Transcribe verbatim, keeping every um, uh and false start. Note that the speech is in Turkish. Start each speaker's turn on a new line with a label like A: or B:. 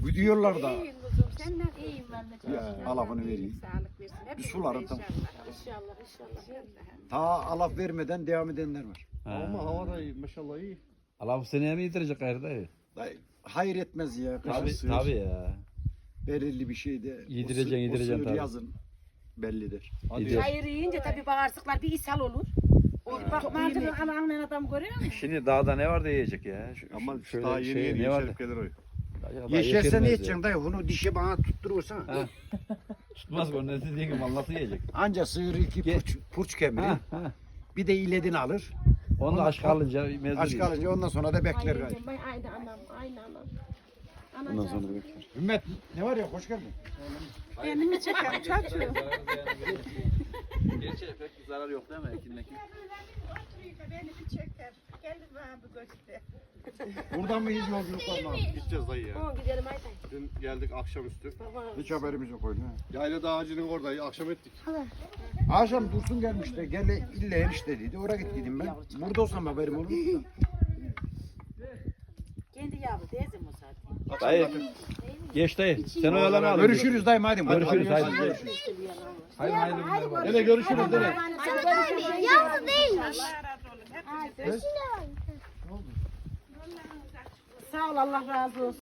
A: Gidiyorlar da.
B: İyiyim kuzum. Sen ne? İyiyim ben de.
A: Ya, alafını vereyim.
B: Sağlık versin.
A: Bir sularım tamam.
B: İnşallah inşallah.
A: Ta alaf vermeden devam edenler var.
C: Ama hava da iyi, maşallah iyi.
D: Allah bu seneye mi yitirecek gayrı dayı?
A: Dayı, hayır etmez ya.
D: Tabi
A: Kışın
D: tabi ya.
A: belirli bir şeyde.
D: Yedireceksin,
A: o sığ-
D: yedireceksin
A: o sığır
D: tabii.
A: yazın bellidir.
D: Hadi.
B: Hayır yiyince tabii bağırsaklar bir ishal olur. O bak mantının anağından adam görüyor musun?
D: Şimdi dağda ne var da yiyecek ya? Şu,
C: Ama
D: şu- şöyle
C: daha yeni
D: şey,
C: yeni
D: ne var da?
C: yeşerip gelir o.
D: Ya,
A: Yeşerse
D: yeşermez
A: ne
D: ya.
A: edeceksin dayı? Bunu dişe bana tutturursan.
D: Ha. Tutmaz ki onu dediğin gibi mal nasıl yiyecek?
A: Anca sığır iki
D: Ge-
A: purç, purç kemirir.
D: Ha, ha.
A: Bir de iledini alır.
D: Onu da
A: Ondan-
D: aç kalınca mezun
A: Aç
D: değil.
A: kalınca ondan sonra da bekler gayet.
B: Ay, aynı anam, aynı anam.
D: Ondan sonra da bekler.
A: Ümmet ne var ya hoş geldin.
B: Kendimi çekerim çocuğum.
D: Gerçi pek bir zarar yok değil mi ekin mekin?
B: Beni bir çeker. Gelin bana bu göçte.
A: Buradan mı hiç yolculuk var mı?
C: Gideceğiz dayı ya.
B: Tamam gidelim haydi.
C: Dün geldik akşamüstü.
A: Hiç haberimiz yok öyle.
C: Yayla Dağcı'nın orada akşam ettik.
A: Akşam Dursun gelmiş de gel illa enişte dedi. Oraya git dedim ben. Burada olsam haberim olur mu?
B: Kendi yavru teyzem o zaten.
D: Dayı. Geç dayı. Sen oyalama al.
A: Görüşürüz dayım hadi.
D: Görüşürüz
A: Hadi.
D: haydi. Haydi haydi. haydi.
C: Hele görüşürüz dene.
E: Yavru değilmiş.
B: Sağ ol Allah razı olsun.